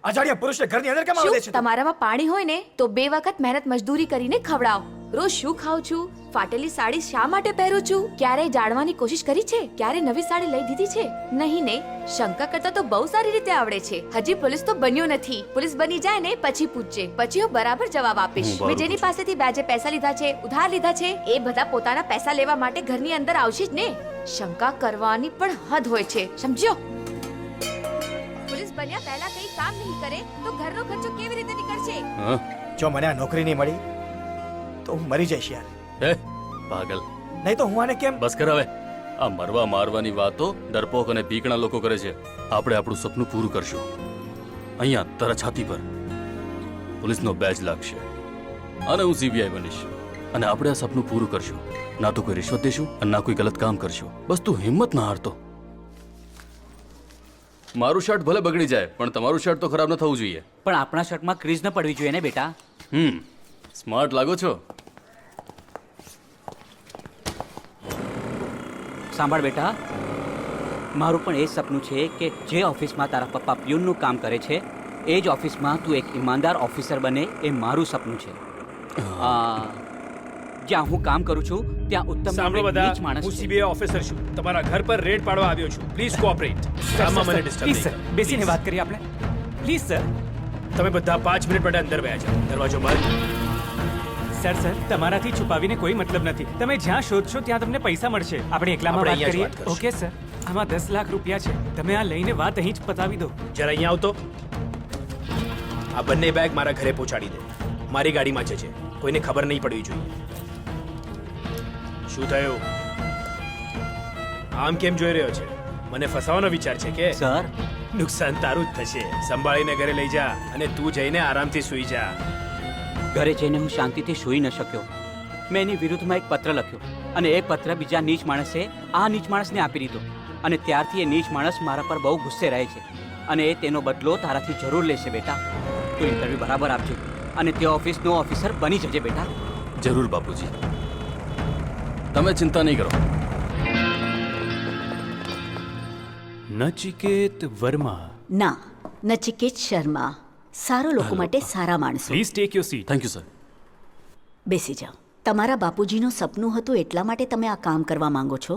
અજાણ્યા પુરુષને ઘરની અંદર કેમ આવવા દે છે તું? તમારામાં પાણી હોય ને તો 2 વખત મહેનત મજદૂરી કરીને ખવડાવો. રોજ શું ખાઉં છું, ફાટેલી સાડી શા માટે પહેરું છું, ક્યારે જાણવાની કોશિશ કરી છે, ક્યારે નવી સાડી લઈ દીધી છે? નહીં ને, શંકા કરતા તો બહુ સારી રીતે આવડે છે. હજી પોલીસ તો બન્યો નથી. પોલીસ બની જાય ને પછી પૂછજે, પછી હું બરાબર જવાબ આપીશ. મેં જેની પાસેથી વ્યાજે પૈસા લીધા છે, ઉધાર લીધા છે, એ બધા પોતાના પૈસા લેવા માટે ઘરની અંદર આવશે જ ને. શંકા કરવાની પણ હદ હોય છે, સમજ્યો? પોલીસ બન્યા પહેલા કઈ કામ નહીં કરે તો ઘરનો ખર્ચો કેવી રીતે નીકળશે? જો મને આ નોકરી નહીં મળી તો હું મરી જઈશ યાર. હે પાગલ, નહીં તો હું આને કેમ બસ કર હવે. આ મરવા મારવાની વાતો ડરપોક અને ભીકણા લોકો કરે છે. આપણે આપણું સપનું પૂરું કરશું. અહીંયા તારા છાતી પર પોલીસનો બેજ લાગશે અને હું સીબીઆઈ બનીશ અને આપણે આ સપનું પૂરું કરશું. ના તો કોઈ રિશ્વત દેશું અને ના કોઈ ગલત કામ કરશું. બસ તું હિંમત ના હારતો. મારું શર્ટ ભલે બગડી જાય પણ તમારું શર્ટ તો ખરાબ ન થવું જોઈએ. પણ આપણા શર્ટમાં ક્રીઝ ન પડવી જોઈએ ને બેટા. સ્માર્ટ લાગો છો. સાંભળ બેટા, મારું પણ એ જ સપનું છે કે જે ઓફિસમાં તારા પપ્પા પ્યુનનું કામ કરે છે એ જ ઓફિસમાં તું એક ઈમાનદાર ઓફિસર બને, એ મારું સપનું છે. જ્યાં હું કામ કરું છું ત્યાં ઉત્તમ સાંભળો નામનો એક બધા, નીચ માણસ હું છે. સીબીઆઈ ઓફિસર છું. તમારા ઘર પર રેડ પાડવા આવ્યો છું. Please cooperate. કામમાં મને ડિસ્ટર્બ પ્લીઝ સર, બેસીને વાત કરીએ આપણે. Please sir. તમે બધા 5 મિનિટ માટે અંદર બેસા જાઓ. દરવાજો બંધ. સર સર, તમારાથી છુપાવીને કોઈ મતલબ નથી. તમે જ્યાં શોધશો ત્યાં તમને પૈસા મળશે. આપણે એકલામાં આપણે વાત અહીંયા જ કરીએ. વાત કરશું. ઓકે સર, આમાં 10 લાખ રૂપિયા છે. તમે આ લઈને વાત અહીં જ પતાવી દો. જરા અહીંયા આવતો. આ બંને બેગ મારા ઘરે પહોંચાડી દે. મારી ગાડીમાં છે. કોઈને ખબર નહીં પડવી જોઈએ. શું થયું? આમ કેમ જોઈ રહ્યો છે? મને ફસાવાનો વિચાર છે કે? સર, નુકસાન તારું જ થશે. સંભાળીને ઘરે લઈ જા અને તું જઈને આરામથી સૂઈ જા. ઘરે જઈને હું શાંતિથી સૂઈ ન શક્યો. મેં એની વિરુદ્ધમાં એક પત્ર લખ્યો અને એ પત્ર બીજા નીચ માણસે આ નીચ માણસને આપી દીધો અને ત્યારથી એ નીચ માણસ મારા પર બહુ ગુસ્સે રહે છે અને એ તેનો બદલો તારાથી જરૂર લેશે બેટા. તું ઇન્ટરવ્યુ બરાબર આપજે અને તે ઓફિસનો ઓફિસર બની જજે બેટા. જરૂર બાપુજી, તમે ચિંતા નહીં કરો. નચિકેત વર્મા. ના, નચિકેત શર્મા. સારા લોકો માટે સારા માણસો. Please take your seat. Thank you sir. બેસી જાઓ. તમારા બાપુજીનું સપનું હતું એટલા માટે તમે આ કામ કરવા માંગો છો?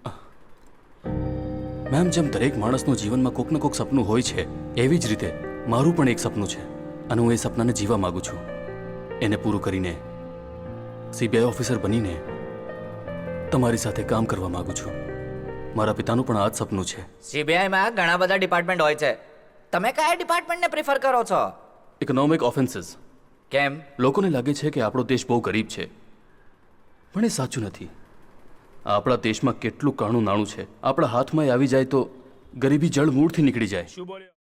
મેમ, જેમ દરેક માણસનું જીવનમાં કોક ને કોક સપનું હોય છે એવી જ રીતે મારું પણ એક સપનું છે અને હું એ સપનાને જીવા માંગુ છું. એને પૂરું કરીને સીબીઆઈ ઓફિસર બનીને તમારી સાથે કામ કરવા માંગુ છું. મારા પિતાનું પણ આ જ સપનું છે. સીબીઆઈમાં ઘણા બધા ડિપાર્ટમેન્ટ હોય છે. તમે કયા ડિપાર્ટમેન્ટને પ્રિફર કરો છો? Economic offences. કેમ? લોકોને લાગે છે કે આપણો દેશ બહુ ગરીબ છે પણ એ સાચું નથી. આપણા દેશમાં કેટલું કાણું નાણું છે. આપણા હાથમાં આવી જાય તો ગરીબી જળ મૂળથી નીકળી જાય. શું બોલ્યો?